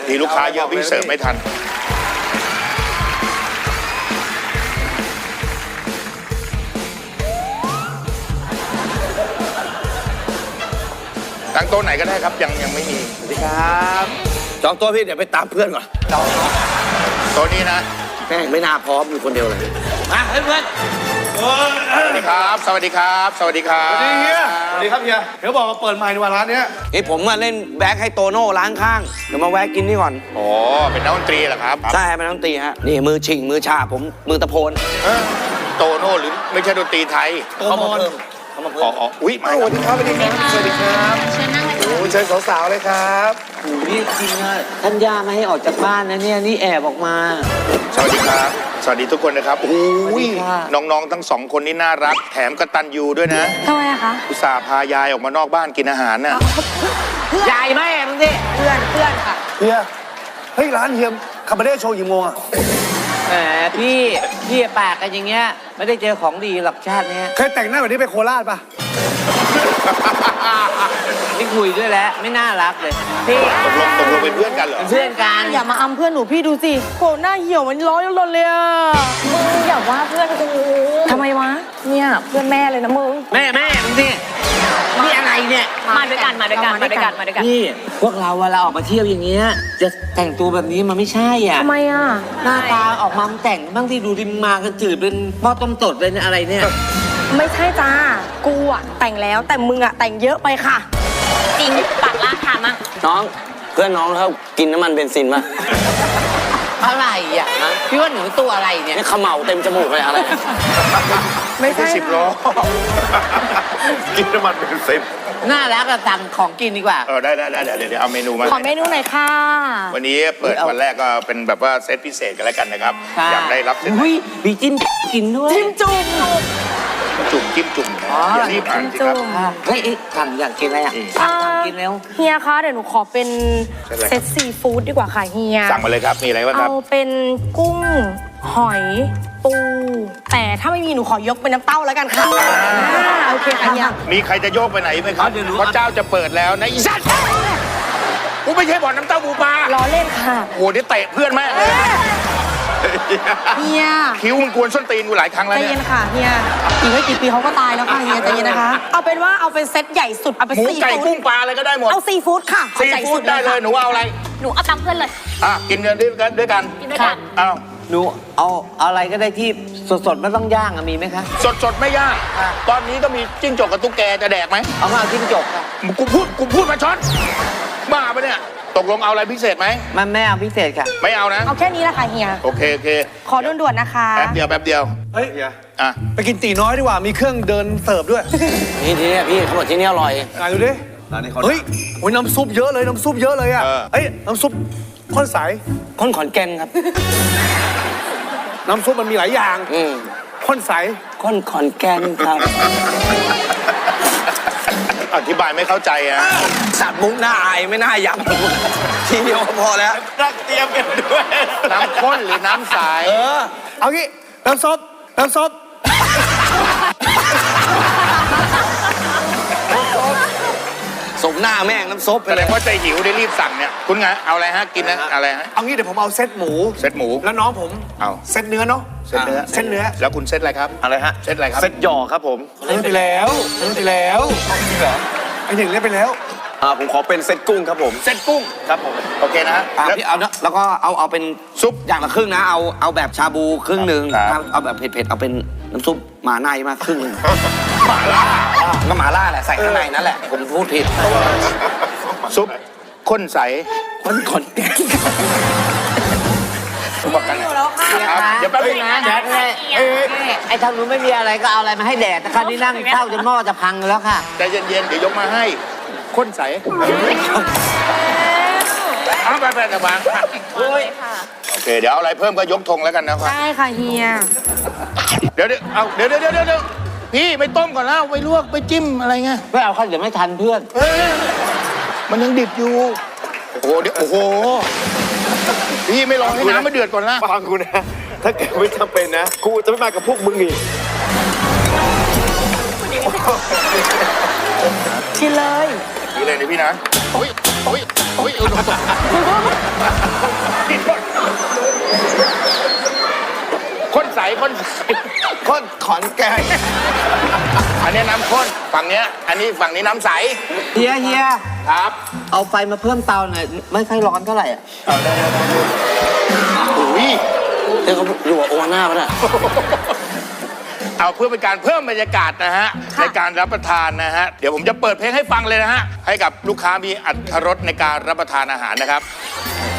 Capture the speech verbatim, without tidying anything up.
ทีลูกค้าเยอะพี่เสิร์ฟไม่ทันตั้งโต๊ะไหนก็ได้ครับยังยังไม่มีสวัสดีครับจองโต๊ะพี่เดี๋ยวไปตามเพื่อนก่อนโต๊ะนี้นะแม่งไม่น่าพร้อมอยู่คนเดียวเลยมาเพื่อนสวัสดีครับสวัสดีครับสวัสดีครับสวัสดีเฮียสวัสดีครับเฮียเดี๋ยวบอกมาเปิดใหม่ในวันร้านนี้เฮ้ยผมมาเล่นแบ็คให้โตโน่ร้านข้างเดี๋ยวมาแวะกินนี่ก่อนอ๋อเป็นนักดนตรีเหรอครับใช่เป็นนักดนตรีฮะนี่มือชิงมือชาผมมือตะโพนโตโน่หรือไม่ใช่ดนตรีไทยเขามาเพิ่มเขามาเพิ่มอ๋ออุ้ยมาสวัสดีครับสวัสดีครับสวัสดีครับเชิญนั่งเลยค่ะโอ้เชิญสาวๆเลยครับโอ้นี่จริงอะท่านย่าไม่ให้ออกจากบ้านนะเนี่ยนี่แอบออกมาสวัสดีครับสวัสดีทุกคนนะครับโอ้ยน้องๆทั้งสองคนนี่น่ารักแถมกตัญญูด้วยนะทำไมอะคะอุตส่าห์พายายออกมานอกบ้านกินอาหารน่ะยายแม่มึงดิเพื่อนเพื่อนค่ะเฮียเฮ้ยร้านเฮียคาบาเร่โชว์กี่โมงอะแหมพี่พี่ปากกันอย่างเงี้ยไม่ได้เจอของดีหรอกชาติเนี้ยเคยแต่งหน้าแบบนี้ไปโคราชปะไม่คุยด้วยแล้วไม่น่ารักเลยพี่ตกลงตกลงเป็นเพื่อนกันเหรอเพื่อนกันอย่ามาอำเพื่อนหนูพี่ดูสิโหหน้าเหี่ยวมันร้อนร้อนเลยอะมึงอย่าว่าเพื่อนกูทำไมวะเนี่ยเพื่อนแม่เลยนะมึงแม่แม่มึงดินี่อะไรเนี่ยมาด้วยกันมาด้วยกันมาด้วยกันมาด้วยกันนี่พวกเราเวลาออกมาเที่ยวอย่างเงี้ยจะแต่งตัวแบบนี้มันไม่ใช่อ่ะทำไมอ่ะหน้าตาออกมาแต่งบ้างที่ดูดิมมากันจืดเป็นพ่อต้มตดเลยเนี่ยอะไรเนี่ยไม่ใช่จ้ากูอะแต่งแล้วแต่มึงอะแต่งเยอะไปค่ะจริงปากล่าถามอ่ะน้องเพื่อนน้องเขากินน้ำมันเบนซินป่ะอะไรอ่ะพี่ว่าหนูตัวอะไรเนี่ยนี่ขมเหลาเต็มจมูกเลยอะไรไม่ใช่สิบล้อกินน้ำมันเป็นสิบน่ารักอะสั่งของกินดีกว่าเออได้ได้ได้เดี๋ยวเดี๋ยวเอาเมนูมาขอเมนูหน่อยค่ะวันนี้เปิดวันแรกก็เป็นแบบว่าเซตพิเศษกันแล้วกันนะครับอยากได้รับเซตอุ้ยมีจิ้มกินด้วยจิ้มจุ่มจุ่มจิ้มจุ่มอย่ารีบอ่านสิครับเฮ้ยสั่งอยากกินอะไรอ่ะสั่งกินแล้วเฮียคะเดี๋ยวหนูขอเป็นเซตซีฟู้ดดีกว่าค่ะเฮียสั่งมาเลยครับมีอะไรบ้างครับเอาเป็นกุ้งหอยปูแต่ถ้าไม่มีหนูขอยกเป็นน้ำเต้าแล้วกันค่ะโอเคค่ะเฮียมีใครจะโยกไปไหนไหมครับพระเจ้าจะเปิดแล้วนะอีสัตว์กูไม่ใช่บ่อนน้ำเต้าบูปลาล้อเล่นค่ะโอ้เดี๋ยวเตะเพื่อนแม่เลยเฮียคิ้วมึงกวนส้นตีนกูหลายครั้งแล้วเนี่ยใจเย็นค่ะเฮียอีกไม่กี่ปีเขาก็ตายแล้วค่ะเฮียใจเย็นนะคะเอาเป็นว่าเอาเป็นเซตใหญ่สุดเอาเป็นซีฟู้ดหมูไก่กุ้งปลาอะไรก็ได้หมดเอาซีฟู้ดค่ะซีฟู้ดได้เลยหนูเอาอะไรหนูเอาตามเพื่อนเลยอ่ะกินกันด้วยกันด้วยกันกินด้วยกันเอาหนูเอาอะไรก็ได้ที่สดๆไม่ต้องย่างมีไหมคะสดๆไม่ย่างตอนนี้ก็มีจิ้งจกกับตุ๊กแกจะแดกไหมเอามาจิ้งจกค่ะกูพูดกูพูดมาช้อนบ้าปะเนี่ยตกลงเอาอะไรพิเศษไหมมันไม่เอาพิเศษค่ะไม่เอานะเอาแค่นี้แหละค่ะเฮียโอเคโอเคขอด่วนๆนะคะแป๊บเดียวแป๊บเดียวเฮ้ยเฮียอ่ะไปกินตีน้อยดีกว่ามีเครื่องเดินเสิร์ฟด้วยนี่ที่นี่พี่เขาบอกที่นี่อร่อยไหนดูดิเฮ้ยโอ้ยน้ำซุปเยอะเลยน้ำซุปเยอะเลยอ่ะเฮ้ยน้ำซุปข้นใสข้นขอนแก่นครับน้ำซุปมันมีหลายอย่างข้นใสข้นขอนแก่นครับอธิบายไม่เข้าใจอ่ะสัตว์มุกหน้าอายไม่น่าย้ำทีเดียวพอแล้วรักเตรียมกันด้วยน้ำข้นหรือน้ำใสเออเอางี้น้ำซุปน้ำซุปสมหน้าแม่งน้ำซุปแสดงว่าใจหิวได้รีบสั่งเนี่ยคุณไงเอาอะไรฮะกินนะอะไรฮะเอางี้เดี๋ยวผมเอาเซตหมูเซตหมูแล้วน้องผมเอาเซตเนื้อเนาะเซตเนื้อเซตเนื้อแล้วคุณเซตอะไรครับอะไรฮะเซตอะไรครับเซตหยอครับผมเล่นไปแล้วเล่นไปแล้วจริงเหรอไอ้หนึ่งเล่นไปแล้วอ่าผมขอเป็นเซตกุ้งครับผมเซตกุ้งครับผมโอเคนะแล้วเอาเนาะแล้วก็เอาเอาเป็นซุปอย่างละครึ่งนะเอาเอาแบบชาบูครึ่งหนึ่งเอาแบบเผ็ดๆเอาเป็นน้ำซุปหมาในมาครึ่งหนึ่งหมาล่าก็หมาล่าแหละใส่ข้างในนั่นแหละผมพูดผิดซุปข้นใสข้นขอนแก่นบอกกันเดี๋ยวแป๊บนึงนะแจ๊คไงไอ้ทางนู้นไม่มีอะไรก็เอาอะไรมาให้แดดแต่คราวนี้นั่งเฝ้าจนหม้อจะพังแล้วค่ะใจเย็นๆเดี๋ยวยกมาให้ข้นใสเอาไปไปนะบางโอเคเดี๋ยวเอาอะไรเพิ่มก็ยกธงแล้วกันนะครับได้ค่ะเฮียเดี๋ยวเดี๋ยวเอาเดี๋ยวเดี๋ยวเดี๋ยวเดี๋ยวพี่ไปต้มก่อนแล้วไปลวกไปจิ้มอะไรเงี้ยไม่เอาค่ะเดี๋ยวไม่ทันเพื่อนมันยังดิบอยู่โอ้โหเดี๋ยวโอ้โหพี่ไม่รอให้น้ำมันเดือดก่อนนะฟังกูนะถ้าเกิดไม่จำเป็นนะกูจะไม่มากับพวกมึงอีกชิมเลยชิมเลยนะพี่นะโอ้ยโอ้ยโอ้ยเออโดนตกข้นใสข้นใสข้นขอนแก่นอันนี้น้ำข้นฝั่งเนี้ยอันนี้ฝั่งนี้น้ำใสเฮียเฮียครับเอาไฟมาเพิ่มเตาหน่อยไม่ค่อยร้อนเท่าไหร่อ่ะอุ้ยเดี๋ยวเขาอยู่กับโอวาน่าปะเนี่ยเอาเพื่อเป็นการเพิ่มบรรยากาศนะฮะในการรับประทานนะฮะเดี๋ยวผมจะเปิดเพลงให้ฟังเลยนะฮะให้กับลูกค้ามีอรรถรสในการรับประทานอาหารนะครับ